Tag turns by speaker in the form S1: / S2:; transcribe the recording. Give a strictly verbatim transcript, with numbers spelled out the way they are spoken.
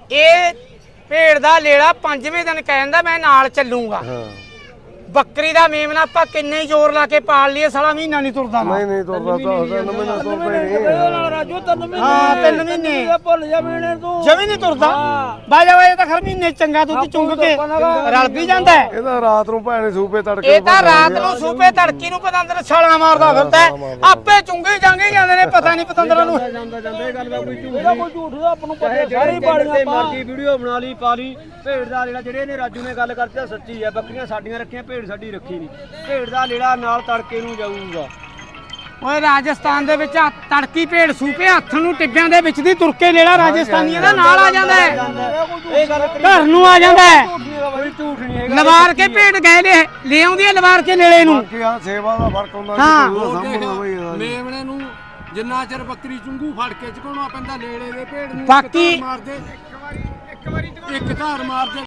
S1: ਇਹ ਭੇਡ ਦਾ ਲੇਲਾ ਪੰਜਵੇਂ ਦਿਨ ਕਹਿੰਦਾ ਮੈਂ ਨਾਲ ਚੱਲੂਗਾ।
S2: ਹਾਂ
S1: ਬੱਕਰੀ ਦਾ ਮੇਮਨਾ ਆਪਾਂ ਕਿੰਨੇ ਹੀ ਜ਼ੋਰ ਲਾ ਕੇ ਪਾਲ ਲਈਏ ਸਾਲਾ ਮਹੀਨਾ ਨਹੀਂ ਤੁਰਦਾ ਨਾ।
S2: ਨਹੀਂ ਨਹੀਂ ਤੁਰਦਾ ਤਾਂ ਉਹਦਾ ਨਵੇਂ ਨਾ ਤੁਰਦਾ ਹੀ ਨਹੀਂ।
S3: ਰਾਜੂ ਤਿੰਨ ਮਹੀਨੇ
S1: ਹਾਂ ਤਿੰਨ ਮਹੀਨੇ
S3: ਭੁੱਲ ਜਾ ਮਹੀਨੇ ਤੂੰ
S1: ਜਮੀ ਨਹੀਂ ਤੁਰਦਾ। ਬਾਜਾ ਬਾਜਾ ਤਾਂ ਖਰ ਮਹੀਨੇ ਚੰਗਾ ਦੁੱਧ ਚੁੰਗ ਕੇ ਰਲ ਵੀ ਜਾਂਦਾ ਹੈ।
S2: ਇਹਦਾ ਰਾਤ ਨੂੰ ਭੈਣੇ ਸੂਪੇ ਤੜਕੇ
S1: ਇਹ ਤਾਂ ਰਾਤ ਨੂੰ ਸੂਪੇ ਤੜਕੀ ਨੂੰ ਪਤੰਦਰ ਛਾਲਾਂ ਮਾਰਦਾ ਫਿਰਦਾ ਹੈ। ਆਪੇ ਚੁੰਗੇ ਜਾਂਗੇ ਜਾਂਦੇ ਨੇ ਪਤਾ ਨਹੀਂ ਪਤੰਦਰਾਂ ਨੂੰ।
S3: ਜਾਂਦਾ ਜਾਂਦਾ ਇਹ ਗੱਲ ਦਾ ਕੋਈ ਝੂਠ ਨਹੀਂ ਕੋਈ ਝੂਠ ਦਾ ਆਪਾਂ ਨੂੰ ਪਤਾ ਸਾਰੀ ਬਾੜੀਆਂ ਪਾ ਮਰਜੀ ਵੀਡੀਓ ਬਣਾ ਲਈ ਪਾ ਲਈ। ਭੇਡ ਦਾ ਜਿਹੜਾ ਜਿਹੜੇ ਨੇ ਰਾਜੂ ਨੇ ਗੱਲ ਕਰਤੀ ਸੱਚੀ ਹੈ। ਬੱਕਰੀਆਂ ਸਾਡੀਆਂ ਰੱਖੀਆਂ ਭੇਡ ਸਾਡੀ ਰੱਖੀ ਨਹੀਂ। ਭੇਡ ਦਾ ਲੇੜਾ ਨਾਲ ਤੜਕੇ ਨੂੰ ਜਾਊਗਾ।
S1: ਓਏ ਰਾਜਸਥਾਨ ਦੇ ਵਿੱਚ ਤੜਕੀ ਭੇਡ ਸੂਪੇ ਹੱਥ ਨੂੰ ਟਿੱਬਿਆਂ ਦੇ ਵਿੱਚ ਦੀ ਤੁਰ ਕੇ ਲੇੜਾ ਰਾਜਸਥਾਨੀਆਂ ਦਾ ਨਾਲ ਆ ਜਾਂਦਾ ਹੈ।
S3: ਇਹ ਗੱਲ
S1: ਘਰ ਨੂੰ ਆ ਜਾਂਦਾ ਹੈ।
S3: ਕੋਈ ਝੂਠ ਨਹੀਂ ਹੈਗਾ।
S1: ਲਵਾਰ ਕੇ ਭੇਡ ਗਏ ਲੈ ਲੈ ਆਉਂਦੀ ਹੈ ਲਵਾਰ ਕੇ ਨੇੜੇ ਨੂੰ।
S2: ਬਾਕੀ ਆ ਸੇਵਾ ਦਾ ਫਰਕ ਹੁੰਦਾ
S1: ਹਾਂ।
S2: ਸਾਹਮਣੇ ਬਈ
S4: ਮੇਮਣੇ ਨੂੰ ਜਿੰਨਾ ਚਿਰ ਬੱਕਰੀ ਚੁੰਗੂ ਫੜ ਕੇ ਚਕਾਉਣਾ ਪੈਂਦਾ ਲੇੜੇ ਦੇ ਭੇਡ ਨੂੰ
S1: ਬਾਕੀ
S4: ਮਾਰਦੇ ਇੱਕ ਵਾਰੀ ਇੱਕ ਵਾਰੀ ਇੱਕ ਧਾਰ ਮਾਰਦੇ